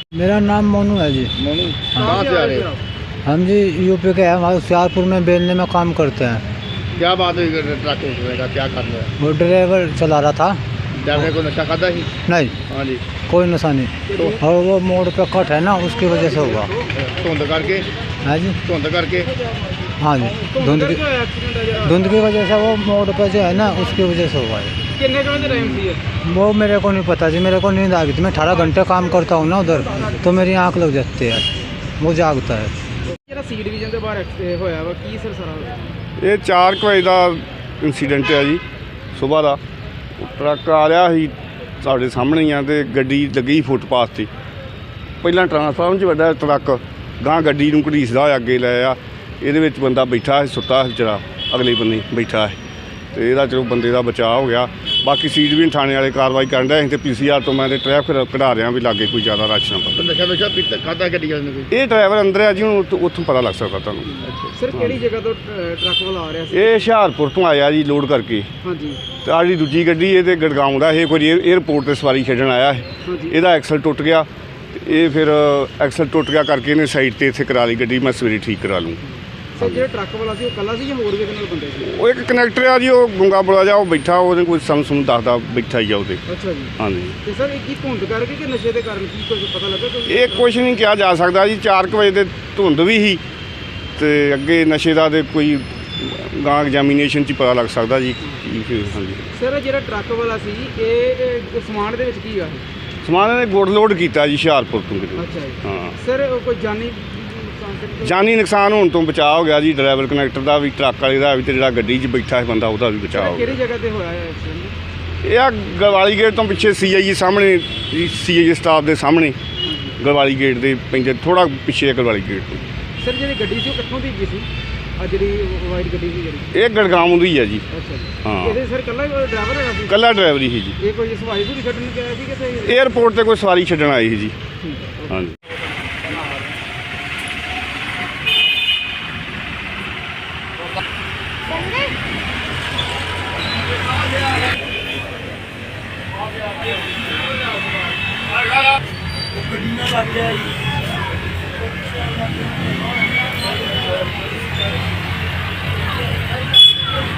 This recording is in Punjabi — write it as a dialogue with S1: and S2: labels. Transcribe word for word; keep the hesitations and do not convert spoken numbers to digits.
S1: मेरा नाम मोनू है जी।
S2: मोनू कहाँ से आ रहे हो?
S1: हम जी यूपी के हैं, हमारे होशियारपुर में बेलने में काम करते हैं।
S2: क्या बात हुई ट्रक उठने का, क्या कर रहा है?
S1: वो ड्राइवर चला रहा था।
S2: ड्राइवर को नशा खाता ही?
S1: नहीं,
S2: हाँ जी।
S1: कोई नशा नहीं।
S2: तो
S1: और वो मोड़ पे कट है ना, उसकी वजह से हुआ।
S2: धुंध करके?
S1: हाँ जी,
S2: धुंध करके?
S1: हाँ जी, धुंध की धुंध की वजह से वो मोड़ पे जो है ना, उसकी वजह से हुआ है।
S3: कितने घंटे टाइम थी?
S1: वो मेरे को नहीं पता जी, मेरे को नींद आ गई थी। मैं अठारह घंटे काम करता हूँ ना उधर, तो मेरी आँख लग जाती है, वो जागता है।
S3: ਜਿਹੜਾ ਸੀ ਡਿਵੀਜ਼ਨ ਦੇ ਬਾਹਰ ਐਕਸੀਡੈਂਟ ਹੋਇਆ ਵਾ ਕੀ ਸਰ ਸਾਰਾ?
S4: ਇਹ ਚਾਰ ਕੁ ਵਜੇ ਦਾ ਇੰਸੀਡੈਂਟ ਹੈ ਜੀ ਸੁਬਾਹ ਦਾ। ਟਰੱਕ ਆ ਰਿਹਾ ਸੀ ਸਾਡੇ ਸਾਹਮਣੇ ਹੀ ਆ ਤੇ ਗੱਡੀ ਲੱਗੀ ਫੁੱਟਪਾਥ 'ਤੇ। ਪਹਿਲਾਂ ਟਰਾਂਸਫਾਰਮ 'ਚ ਵੱਡਾ ਟਰੱਕ ਗਾਂ ਗੱਡੀ ਨੂੰ ਘੜੀਸਦਾ ਹੋਇਆ ਅੱਗੇ ਲੈ ਆ। ਇਹਦੇ ਵਿੱਚ ਬੰਦਾ ਬੈਠਾ ਸੀ, ਸੁੱਤਾ ਸੀ ਵਿਚਾਰਾ, ਅਗਲੇ ਬੰਨੇ ਬੈਠਾ ਹੈ ਤੇ ਇਹਦਾ ਚਲੋ ਬੰਦੇ ਦਾ ਬਚਾਅ ਹੋ ਗਿਆ। ਬਾਕੀ ਸੀਟ ਵੀ ਥਾਣੇ ਵਾਲੇ ਕਾਰਵਾਈ ਕਰਨ ਰਹੇ ਤੇ ਪੀ ਸੀ ਆਰ ਤੋਂ ਮੈਂ ਤੇ ਟ੍ਰੈਫਿਕ ਕਢਾ ਰਿਹਾ ਵੀ ਲਾਗੇ ਕੋਈ ਜ਼ਿਆਦਾ ਰਸ਼ ਨਾ ਪਵੇ।
S2: ਨਸ਼ਾ ਨਸ਼ਾ ਪੀਤਾ ਖਾਦਾ ਗੱਡੀ ਵਾਲੇ ਨੇ ਕੋਈ?
S4: ਇਹ ਡਰਾਈਵਰ ਅੰਦਰ ਆ ਜੀ, ਹੁਣ ਉੱਥੋਂ ਉੱਥੋਂ ਪਤਾ ਲੱਗ ਸਕਦਾ ਤੁਹਾਨੂੰ।
S3: ਸਰ ਕਿਹੜੀ ਜਗ੍ਹਾ ਤੋਂ ਟਰੱਕ ਵਾਲਾ ਆ ਰਿਹਾ ਸੀ?
S4: ਇਹ ਹੁਸ਼ਿਆਰਪੁਰ ਤੋਂ ਆਇਆ ਜੀ ਲੋਡ ਕਰਕੇ।
S3: ਹਾਂਜੀ
S4: ਤੇ ਆਹ ਜਿਹੜੀ ਦੂਜੀ ਗੱਡੀ ਇਹ ਤੇ ਗੜਗਾਉਂ ਦਾ ਇਹ ਕੋਈ ਏਅਰਪੋਰਟ ਤੇ ਸਵਾਰੀ ਛੱਡਣ ਆਇਆ ਹੈ।
S3: ਹਾਂਜੀ
S4: ਇਹਦਾ ਐਕਸਲ ਟੁੱਟ ਗਿਆ ਤੇ ਇਹ ਫਿਰ ਐਕਸਲ ਟੁੱਟ ਗਿਆ ਕਰਕੇ ਇਹਨੇ ਸਾਈਡ ਤੇ ਇੱਥੇ ਕਰਾ ਲਈ ਗੱਡੀ। ਮੈਂ ਸਵੇਰੇ ਠੀਕ ਕਰਾ ਲੂੰ।
S3: ਸਰ ਜਿਹੜਾ ਟਰੱਕ ਵਾਲਾ ਸੀ ਉਹ ਇਕੱਲਾ ਸੀ ਜਾਂ ਹੋਰ ਵੀ ਕਿੰਨੇ ਬੰਦੇ ਸੀ?
S4: ਉਹ ਇੱਕ ਕਨੈਕਟਰ ਆ ਜੀ, ਉਹ ਗੁੰਗਾ ਬੁਲਾ ਜਾ, ਉਹ ਬੈਠਾ, ਉਹਦੇ ਕੋਈ ਸਮ ਸੁਮ ਦੱਸਦਾ ਬੈਠਾ ਹੀ ਆ ਉਹਦੇ।
S3: ਅੱਛਾ ਜੀ।
S4: ਹਾਂਜੀ,
S3: ਤੇ ਸਰ ਇਹ ਕੀ ਧੁੰਦ ਕਰਕੇ ਕਿ ਨਸ਼ੇ ਦੇ ਕਾਰਨ ਕੀ ਕੁਝ ਪਤਾ ਲੱਗਾ ਕੋਈ?
S4: ਇਹ ਕੁਛ ਨਹੀਂ ਕਿਹਾ ਜਾ ਸਕਦਾ ਜੀ। ਚਾਰ ਕੁ ਵਜੇ ਦੇ ਧੁੰਦ ਵੀ ਸੀ ਤੇ ਅੱਗੇ ਨਸ਼ੇ ਦਾ ਤੇ ਕੋਈ ਗਾਂ ਐਗਜ਼ਾਮੀਨੇਸ਼ਨ 'ਚ ਹੀ ਪਤਾ ਲੱਗ ਸਕਦਾ ਜੀ ਕੀ ਕੀ। ਹਾਂਜੀ
S3: ਸਰ ਜਿਹੜਾ ਟਰੱਕ ਵਾਲਾ ਸੀ ਇਹ ਇਹ ਸਮਾਨ ਦੇ ਵਿੱਚ ਕੀ ਆ?
S4: ਸਮਾਨ ਇਹਨੇ ਗੁੜ ਲੋਡ ਕੀਤਾ ਜੀ ਹੁਸ਼ਿਆਰਪੁਰ ਤੋਂ ਕਿਤੇ।
S3: ਅੱਛਾ ਜੀ।
S4: ਹਾਂ,
S3: ਸਰ ਉਹ ਕੋਈ ਜਾਨੀ ਨੁਕਸਾਨ ਤੇ ਨਹੀਂ?
S4: ਜਾਨੀ ਨੁਕਸਾਨ ਹੋਣ ਤੋਂ ਬਚਾਅ ਹੋ ਗਿਆ ਜੀ। ਡਰਾਈਵਰ ਕਨੈਕਟਰ ਦਾ ਵੀ, ਟਰੱਕ ਵਾਲੇ ਦਾ ਵੀ ਤੇ ਜਿਹੜਾ ਗੱਡੀ 'ਚ ਬੈਠਾ ਸੀ ਬੰਦਾ ਉਹਦਾ ਵੀ ਬਚਾਅ ਹੋ ਗਿਆ।
S3: ਕਿਹੜੀ ਜਗ੍ਹਾ ਤੇ ਹੋਇਆ ਹੈ ਐਕਸੀਡੈਂਟ?
S4: ਇਹ ਆ ਗਲਵਾਲੀ ਗੇਟ ਤੋਂ ਪਿੱਛੇ ਸੀ ਆਈ ਜੀ ਸਾਹਮਣੇ, ਸੀ ਆਈ ਜੀ ਸਟਾਫ ਦੇ ਸਾਹਮਣੇ ਗਲਵਾਲੀ ਗੇਟ ਦੇ ਪੈਂਦੇ ਥੋੜਾ ਪਿੱਛੇ ਗਲਵਾਲੀ ਗੇਟ ਤੋਂ।
S3: ਸਰ ਜਿਹੜੀ ਗੱਡੀ ਸੀ ਉਹ ਕਿੱਥੋਂ ਦੀ ਗਈ ਸੀ? ਆ ਜਿਹੜੀ ਵਾਈਟ ਗੱਡੀ ਸੀ ਜਿਹੜੀ?
S4: ਇਹ ਗੜਗਾਉਂ ਦੀ ਹੈ ਜੀ।
S3: ਅੱਛਾ ਜੀ।
S4: ਹਾਂ।
S3: ਇਹਦੇ ਸਰ ਇਕੱਲਾ ਡਰਾਈਵਰ ਹੈਗਾ ਸੀ?
S4: ਕੱਲਾ ਡਰਾਈਵਰ ਹੀ ਜੀ।
S3: ਇਹ ਕੋਈ ਸਵਾਰੀ ਸੂਰੀ ਛੱਡਣ ਗਿਆ ਸੀ ਕਿਤੇ?
S4: ਏਅਰਪੋਰਟ ਤੇ ਕੋਈ ਸਵਾਰੀ ਛੱਡਣ ਆਈ ਸੀ ਜੀ।
S3: ਠੀਕ ਹੈ।
S4: ਹਾਂਜੀ।
S1: ਗੱਡੀ ਨਾਲ ਲੱਗ ਗਿਆ ਜੀ।